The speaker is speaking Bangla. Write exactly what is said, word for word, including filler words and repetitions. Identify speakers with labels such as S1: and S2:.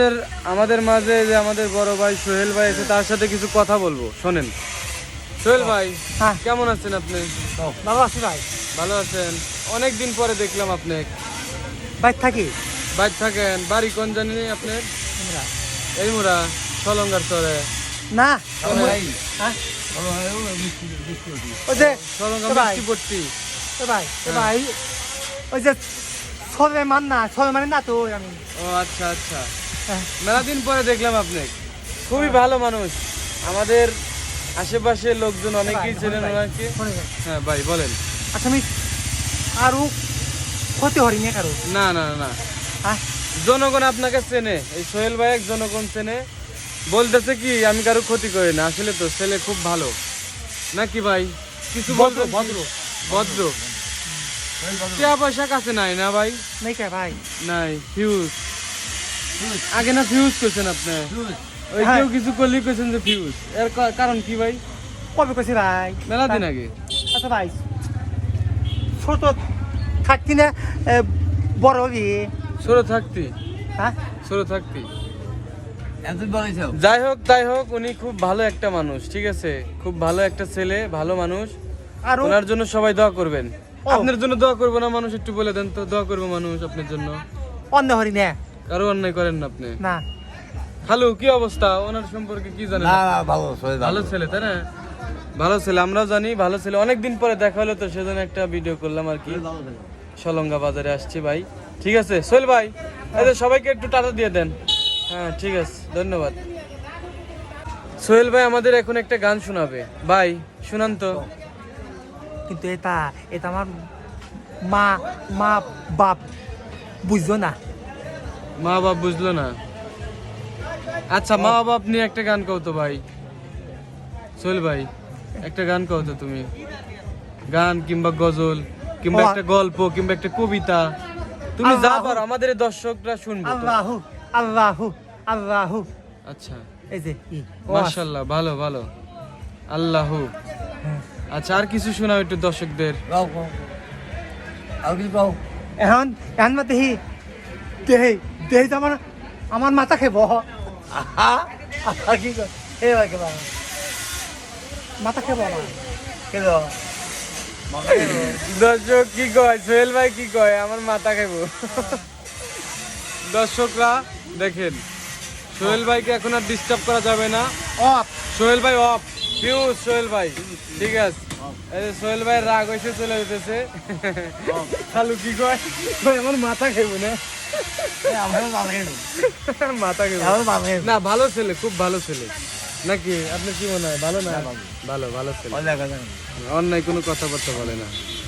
S1: আমাদের মাঝে যে আমাদের বড় ভাই সোহেল ভাই আছে, তার সাথে কিছু কথা বলবো, শোনেন। সোহেল ভাই,
S2: হ্যাঁ
S1: কেমন আছেন আপনি?
S2: ভালো আছি ভাই।
S1: ভালো আছেন? অনেক দিন পরে দেখলাম আপনি।
S2: বাইর থাকি।
S1: বাইর থাকেন? বাড়ি কোন জানি আপনার? এই মুরা সলঙ্গার চরে
S2: না
S1: হ্যাঁ
S2: ওই যে
S1: সলঙ্গা
S2: ভাই।
S1: মিষ্টিপট্টি।
S2: এ ভাই এ ভাই ওই যে ছবে মান না ছবে মানে না তো আমি
S1: ও আচ্ছা আচ্ছা,
S2: হ্যাঁ।
S1: মেলা দিন পরে দেখলাম আপনি। খুবই ভালো মানুষ, আমাদের আশেপাশে লোকজন অনেকেই চেনেন ওনাকে।
S2: শোনে ভাই।
S1: হ্যাঁ ভাই বলেন।
S2: আচ্ছা আমি আরো ক্ষতি হরি না কারো
S1: না না না,
S2: হ্যাঁ
S1: জনগণ আপনাকে চেনে, এই সোহেল ভাই এক জনগণ চেনে। বলতেছে কি আমি কারো ক্ষতি করি না, আসলে তো ছেলে খুব ভালো নাকি ভাই? কিছু
S2: ভদ্র
S1: বলবেন?
S2: ভদ্র
S1: ভদ্র। টাকা পয়সা কাছে নাই না ভাই?
S2: নাই কে ভাই
S1: নাই। ফিউজ আগে না ফিউজ করছেন আপনি? ওই
S2: হ্যাঁ।
S1: কেউ কিছু করলে কইছেন যে ফিউজ, এর কা- কারণ কি ভাই?
S2: কবে কইছি ভাই
S1: মেলা দিন আগে।
S2: আচ্ছা ভাই ছোট থাকতি না এ, বড় হবি
S1: ছোট থাকতি,
S2: হ্যাঁ
S1: ছোট থাকতি। যাই হোক তাই হোক, উনি খুব ভালো একটা মানুষ, ঠিক আছে? খুব ভালো একটা ছেলে, ভালো মানুষ।
S2: আর
S1: ওনার জন্য সবাই দোয়া করবেন।
S2: ও।
S1: আপনার জন্য দোয়া করবো না মানুষ? একটু বলে দেন তো, দোয়া করবো মানুষ আপনার জন্য।
S2: অন্য হরি না
S1: কারো অন্যায় করেন না আপনি।
S2: না
S1: খালু কি অবস্থা? ওনার সম্পর্কে কি জানেন?
S3: না না ভালো সবাই
S1: ভালো ছেলে তাই না? ভালো ছেলে, আমরাও জানি ভালো ছেলে। অনেকদিন পরে দেখা হলো তো, সেজন্য একটা ভিডিও করলাম আর কি। সলঙ্গা বাজারে আসছি ভাই, ঠিক আছে? সোহেল ভাই, এদের সবাইকে একটু টাটা দিয়ে দেন। হ্যাঁ ঠিক আছে, ধন্যবাদ। সোহেল ভাই আমাদের এখন একটা গান শোনাবে ভাই, শুনান তো।
S2: কিন্তু এটা এটা আমার মা মা বাপ বুঝছো না
S1: মা বাপ বুঝলো না? আচ্ছা মা বাপ নিয়ে একটা গান কও তো ভাই। সোহেল ভাই একটা গান কও তো তুমি, গান কিংবা গজল কিংবা
S2: ও,
S1: একটা গল্প কিংবা একটা কবিতা, তুমি যা
S2: আল্লাহু-
S1: পারো, আমাদের এই দর্শকরা শুনবে তো।
S2: আল্লাহু আল্লাহু আল্লাহু
S1: আচ্ছা
S2: এই যে ই, ও
S1: মাশাআল্লাহ, ভালো ভালো, আল্লাহু।
S2: হ্যাঁ।
S1: আচ্ছা আর কিছু শোনাও একটু দর্শকদের।
S3: গাও গাও আর কিছু গাও
S2: এখন এখন মা দেহি দেহি দেহি তো আমার আমার মাথা খেব
S3: আহা আহা কি কর এ ভাই কে বাবা
S2: মাথা খেব আমার
S3: কে দাও
S1: দর্শক কি কয়, সোহেল ভাই কি কয়, আমার মাথা খাইবো। দর্শকরা দেখেন, সোহেল ভাইকে এখন আর ডিস্টার্ব করা যাবে না।
S2: অফ
S1: সোহেল ভাই অফ, ফিউজ সোহেল ভাই, ঠিক আছে? এই যে সোহেল ভাই রাগ হয়েছে, চলে যেতেছে। খালু কি কয়? ভাই আমার মাথা খাইবো না,
S3: আমার ভালো লাগে
S1: মাথা খাইবো
S3: আমার ভালো লাগে
S1: না। ভালো ছেলে, খুব ভালো ছেলে নাকি? আপনার কি মনে হয়? ভালো না? ভালো ভালো ছেলে,
S3: ভালো লাগে
S1: অন্যায় কোনো কথাবার্তা বলে না।